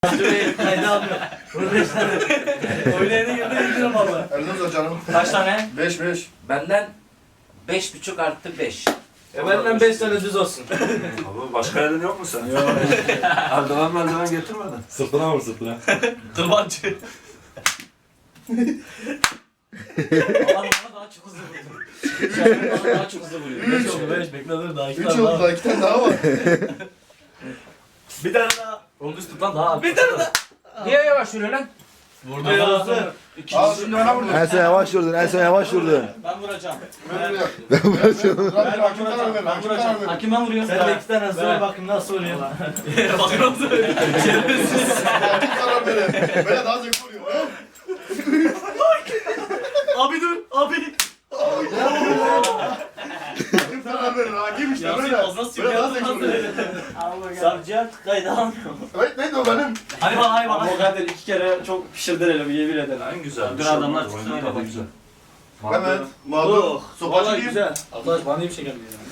Şurayı kayda almıyor. Bunu 5 tane. Oynayana girdi indiririm valla. Erdem canım. Kaç tane? 5. Benden 5,5 artı 5. Benden 5 tane düz olsun. Abi başka yerden yok mu sen? Yok. Eldiven getirmedin. Sırtına vur sırtına. Kırbancı. Alan bana daha çok hızlı vuruyor. Bana daha çok hızlı vuruyor. 5 oldu 5 bekle dur daha 2 3 tane oldu daha. daha 2 tane daha var. Bir tane daha. Onu düz tut lan daha. Bir tane daha. Niye yavaş yürüyor lan? Vurdu ya. Aa şimdi bana vurdun. En son yavaş vurdun, en son yavaş vurdun. Ben vuracağım. Ben vuracağım. Hakim karar ver. Hakim karar ver. Hakim ben vuruyorum. Sen de 2 tane hızlı bakayım nasıl vuruyor. Bakın nasıl vuruyor. Hakim karar ver. Böyle daha zevkli oluyor. Abi dur abi. Hakim karar ver. Hakim işte böyle. Böyle daha zevkli oluyor. Savcıya kayda almıyor. Evet neydi o benim? Hadi bak hadi bak. O kadar 2 kere çok pişirdin hele bir yemin ederim. En güzel. Dur adamlar Oyun çıksın yine de hadi. güzel. Evet. Mağdur. Sopacı Vallahi diyeyim. güzel. Arkadaş bana iyi bir şey geldi ya.